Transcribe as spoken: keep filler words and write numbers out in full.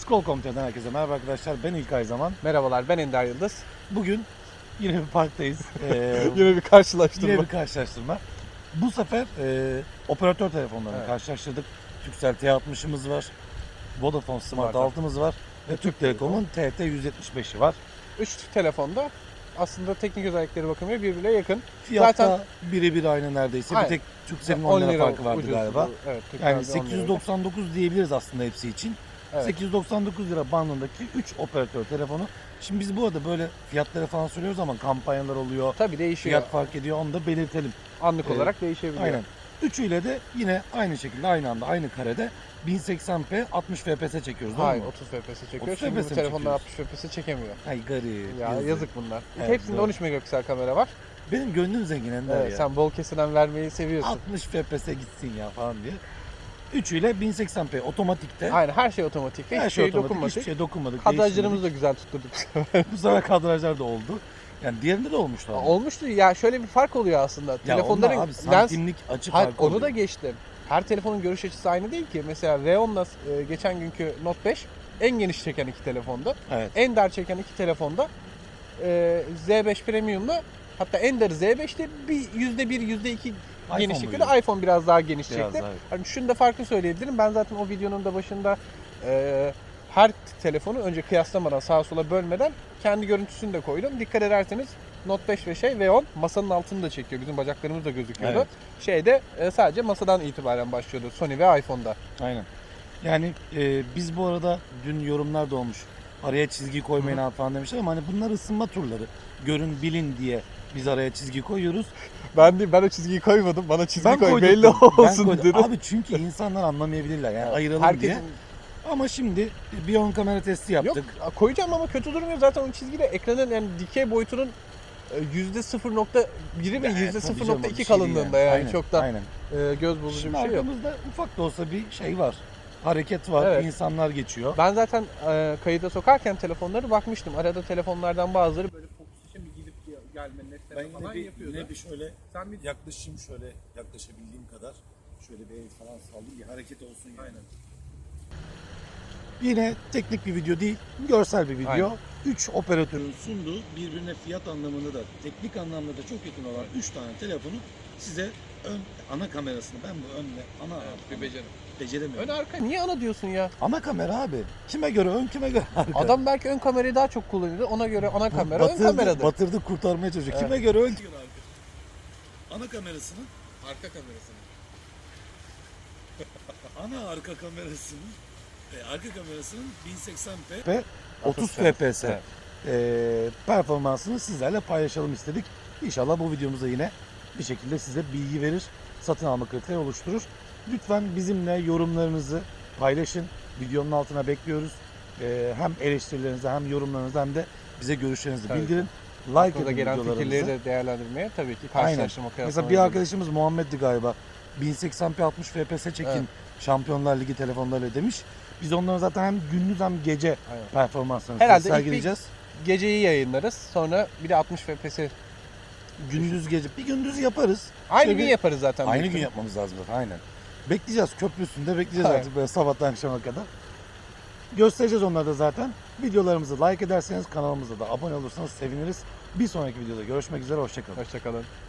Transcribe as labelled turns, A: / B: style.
A: Skol nokta com'dan herkese merhaba arkadaşlar. Ben İlkay Zaman.
B: Merhabalar, ben Ender Yıldız.
A: Bugün yine bir parktayız. Ee,
B: Yine bir karşılaştırma.
A: Yine bir karşılaştırma. Bu sefer e, operatör telefonlarını
B: Evet.
A: karşılaştırdık. Turkcell T altmışımız var. Vodafone Smart
B: Smart
A: altımız var. Ve Türk Telekom'un T T yüz yetmiş beşi var.
B: Üç telefonda aslında teknik özellikleri bakımıyla birbirine yakın.
A: Fiyatta
B: Zaten
A: birebir aynı neredeyse.
B: Aynen.
A: Bir tek Turkcell'in on lira farkı vardı
B: ucuz.
A: galiba.
B: Evet,
A: Yani
B: Türkcell'de on
A: sekiz
B: lira.
A: yüz doksan dokuz diyebiliriz aslında hepsi için.
B: Evet.
A: sekiz yüz doksan dokuz lira bandındaki üç operatör telefonu. Şimdi biz bu arada böyle fiyatları falan söylüyoruz ama kampanyalar oluyor.
B: Tabii değişiyor.
A: Fiyat fark ediyor, onu da belirtelim.
B: Anlık
A: Ee,
B: olarak değişebiliyor.
A: Aynen. Üçüyle de yine aynı şekilde aynı anda aynı karede bin seksen p altmış F P S çekiyoruz değil
B: Hayır,
A: mi?
B: otuz F P S çekiyor.
A: otuz
B: Çünkü
A: F P S
B: bu
A: mi
B: telefonlar
A: çekiyoruz?
B: altmış F P S çekemiyor.
A: Ay garip.
B: Ya
A: yazık.
B: yazık bunlar.
A: Evet,
B: Hepsinde
A: doğru.
B: on üç megapiksel kamera var.
A: Benim gönlüm zengin Ender
B: Evet,
A: ya.
B: sen bol kesilen vermeyi seviyorsun.
A: altmış F P S gitsin ya falan diye. Üçüyle bin seksen p otomatikte.
B: Aynen, her şey otomatik.
A: Her
B: Hiçbir
A: şey
B: şey
A: otomatik,
B: dokunmadık.
A: hiçbir şey dokunmadık.
B: Kadrajlarımızı da güzel tutturduk.
A: değiştirmedik. Bu sefer kadrajlar da oldu. Yani diğerinde de olmuştu. abi.
B: Olmuştu ya, şöyle bir fark oluyor aslında.
A: Ya
B: Telefonların
A: onlar abi
B: lens
A: santimlik açı
B: Hayır,
A: farkı
B: onu
A: oluyor.
B: da geçtim. Her telefonun görüş açısı aynı değil ki. Mesela R on'la e, geçen günkü Note beş en geniş çeken iki telefonda.
A: Evet.
B: En dar çeken iki telefonda e, Z beş Premium'la, hatta en darı Z beş'te bir yüzde bir, yüzde iki genişlikte de iPhone biraz daha geniş
A: Biraz
B: çekti.
A: daha, evet.
B: Hani şunu da farklı söyleyebilirim. Ben zaten o videonun da başında e, her telefonu önce kıyaslamadan, sağa sola bölmeden kendi görüntüsünü de koydum. Dikkat ederseniz Note beş ve şey V on masanın altını da çekiyor. Bizim bacaklarımız da gözüküyordu.
A: Evet.
B: Şeyde e, sadece masadan itibaren başlıyordu Sony ve iPhone'da.
A: Aynen. Yani e, biz bu arada dün yorumlar da olmuş. Araya çizgi koymayın abi falan demişler ama hani bunlar ısınma turları. Görün bilin diye biz araya çizgi koyuyoruz.
B: Ben de ben o çizgiyi koymadım. Bana çizgi
A: Ben
B: koy
A: koydum.
B: belli
A: Ben
B: olsun
A: koydum.
B: dedim.
A: Abi çünkü insanlar anlamayabilirler yani
B: Evet,
A: ayıralım
B: herkesin...
A: diye. Ama şimdi bir ön kamera testi yaptık.
B: Yok, koyacağım ama kötü durmuyor. Zaten o çizgiyle ekranın yani dikey boyutunun yüzde sıfır nokta biri ve
A: Evet,
B: yüzde
A: tabii
B: sıfır
A: canım,
B: nokta
A: bir
B: iki
A: şey değil
B: kalınlığında
A: yani.
B: yani,
A: Aynen,
B: çok da
A: aynen.
B: e, göz bozucu
A: Şimdi
B: bir şey yok.
A: arkamızda ufak da olsa bir şey var. Hareket var,
B: Evet.
A: insanlar geçiyor.
B: Ben zaten e, kayıda sokarken telefonları bakmıştım. Arada telefonlardan bazıları böyle fokus için bir gidip gelmenin esneme falan yapıyordu.
A: bir şöyle
B: Sen bir
A: yaklaşayım şöyle yaklaşabildiğim kadar. Şöyle bir el falan sallayayım bir hareket olsun yani.
B: Aynen.
A: Yine teknik bir video değil, görsel bir video.
B: Aynen.
A: üç operatörün sunduğu birbirine fiyat anlamında da teknik anlamda da çok yakın olan üç tane telefonu size ön ana kamerasını ben bu önle ana
B: Evet, bir becerim.
A: beceremiyorum.
B: Ön arka niye ana diyorsun ya?
A: Ana kamera abi. Kime göre ön kime göre arka.
B: Adam belki ön kamerayı daha çok kullanıyordu. Ona göre ana kamera
A: batırdı,
B: ön kameradır.
A: batırdı kurtarmaya çalışıyor.
B: Evet.
A: Kime göre ön kime göre arka. Ana kamerasının
B: Arka kamerasını.
A: ana arka kamerasının e, arka kamerasının bin seksen p ve otuz F P S
B: Evet.
A: e, performansını sizlerle paylaşalım istedik. İnşallah bu videomuzda yine bir şekilde size bilgi verir, satın alma kriteri oluşturur. Lütfen bizimle yorumlarınızı paylaşın. Videonun altına bekliyoruz. E, hem eleştirilerinizi hem yorumlarınızı hem de bize görüşlerinizi
B: Tabii.
A: bildirin. Like
B: Burada
A: edin
B: gelen fikirleri
A: videolarımızı.
B: de değerlendirmeye tabii ki
A: Aynen.
B: karşılaştırma kıyaslama.
A: Mesela bir arkadaşımız Muhammed'di galiba. bin seksen p altmış F P S çekin
B: Evet.
A: Şampiyonlar Ligi telefonlarıyla demiş. Biz onlara zaten hem gündüz hem gece
B: Aynen.
A: performanslarını
B: Herhalde
A: size
B: ilk bir-
A: sergileyeceğiz.
B: Geceyi yayınlarız. Sonra bir de altmış F P S.
A: Gündüz gece. Bir gündüz yaparız.
B: Aynı
A: Şöyle
B: gün
A: bir-
B: yaparız zaten.
A: Aynı
B: büyük
A: gün
B: ihtimal.
A: yapmamız lazım zaten aynen. Bekleyeceğiz köprü üstünde bekleyeceğiz
B: Aynen.
A: artık böyle sabahtan akşama kadar. Göstereceğiz onları da zaten. Videolarımızı like ederseniz kanalımıza da abone olursanız seviniriz. Bir sonraki videoda görüşmek üzere. Hoşçakalın.
B: Hoşçakalın.